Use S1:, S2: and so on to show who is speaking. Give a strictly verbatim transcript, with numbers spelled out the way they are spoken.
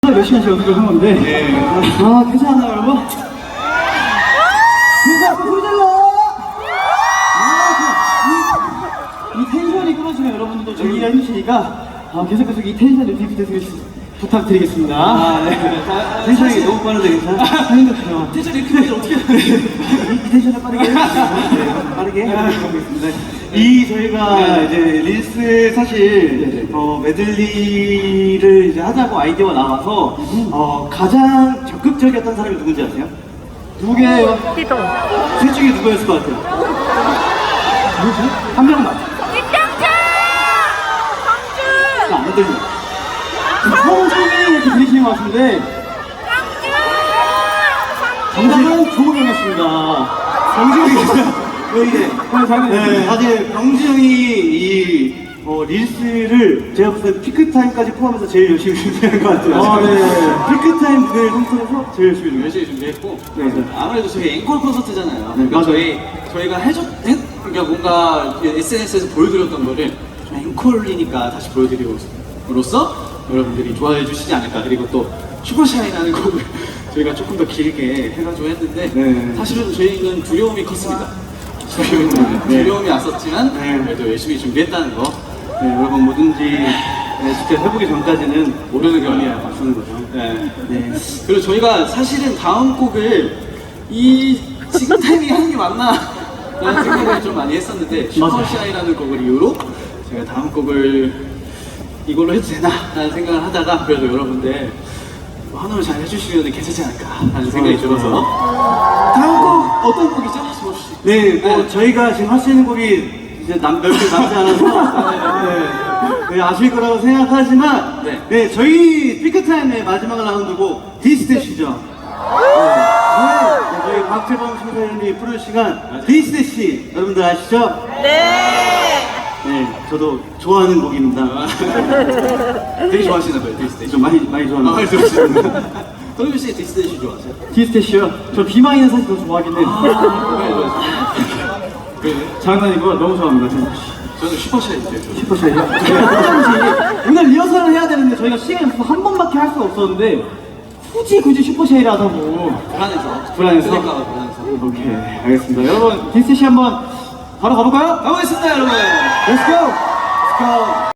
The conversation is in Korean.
S1: 몇 시간씩 연습을 한 건데 네. 아 괜찮아요 여러분? 그러니까 소리 질러! 아, 이, 이 텐션이 끊어지면 여러분들도 즐기려 해주시니까 아, 계속 계속 이 텐션 유지해주시면 부탁드리겠습니다. 아, 네. 아, 텐션이 너무 빠른데 괜찮아? 힘들어요. 텐션이 크게 어떻게 이 텐션을 빠르게 네, 빠르게 해보겠습니다. 이 저희가 네. 이제 릴스 사실 어, 메들리를 이제 하자고 아이디어가 나와서 어, 가장 적극적이었던 사람이 누군지 아세요? 누구게요?
S2: 띠동.
S1: 셋 중에 누구였을 것 같아요? 누구지? 한 명만.
S2: 김병철! 성준!
S1: 안 들려. 성준이 이렇게 들리시는 것 같은데 정답은 조우경이었습니다. 정준이 왜 이래? 네, 사실 병지 형이 이 어, 릴스를 제가 봤을 때 피크타임까지 포함해서 제일 열심히 준비한 것 같아요. 아, 네. 피크타임 무대를 통틀어서 제일 열심히 준비.
S3: 열심히 준비했고
S1: 네, 네.
S3: 아무래도 저희 앵콜 콘서트잖아요.
S1: 네,
S3: 그러니까
S1: 맞아요.
S3: 저희 저희가 해줬 했, 그러니까 뭔가 에스엔에스에서 보여드렸던 거를 좀 앵콜이니까 다시 보여드림으로써 여러분들이 좋아해 주시지 않을까. 그리고 또 슈퍼샤이라는 곡을 저희가 조금 더 길게 해가지고 했는데
S1: 네.
S3: 사실은 저희는 두려움이 컸습니다. 저희는
S1: 네.
S3: 두려움이 왔었지만
S1: 네.
S3: 그래도 열심히 준비했다는 거.
S1: 네, 여러분 뭐든지 네, 직접 해보기 전까지는 모르는 경험이야 맞추는 거죠.
S3: 네.
S1: 네.
S3: 그리고 저희가 사실은 다음 곡을 이 지금 타이밍에 하는 게 맞나 라는 생각을 좀 많이 했었는데 슈퍼샤이라는 곡을 이후로 제가 다음 곡을 이걸로 해도 되나 라는 생각을 하다가 그래도 여러분들 환호를 잘 해주시면 괜찮지 않을까 하는 생각이 들어서 다음 곡 어떤 곡이죠? 조시 씨?
S1: 네, 뭐 저희가 지금 할 수 있는 곡이 이제 남, 몇 개 남지 않아서 네, 네, 아실 거라고 생각하지만
S3: 네.
S1: 네, 저희 피크타임의 마지막 라운드곡 디스대시죠. 네, 네, 저희 박재범 심사위원님이 부를 시간 디스대시 여러분들 아시죠?
S2: 네!
S1: 네, 저도 좋아하는 곡입니다.
S3: 되게 좋아하시나 봐요 디스테이시.
S1: 좀 많이 많이
S3: 아,
S1: 좋아하는
S3: 많이
S1: 곡.
S3: 좋아하시는구나. 도겸 씨 디스테이시 좋아하세요?
S1: 디스대시요? 저 비마이는 사실 더 좋아하긴 해요.
S3: 왜 좋아하세요? 왜?
S1: 장난이고 너무 좋아합니다. 진짜.
S3: 저는 슈퍼샤이인데요. 저는.
S1: 슈퍼샤이요? 어쩐지 오늘 리허설을 해야 되는데 저희가 시간이 없어서 한 번밖에 할 수가 없었는데 굳이 굳이 슈퍼샤이를 하다고.
S3: 불안해서.
S1: 불안해서?
S3: 그러니까 불안해서.
S1: 오케이, 알겠습니다. 여러분 디스대시 한번 바로 가볼까요?
S3: 가보겠습니다 여러분.
S1: Let's go! Let's go!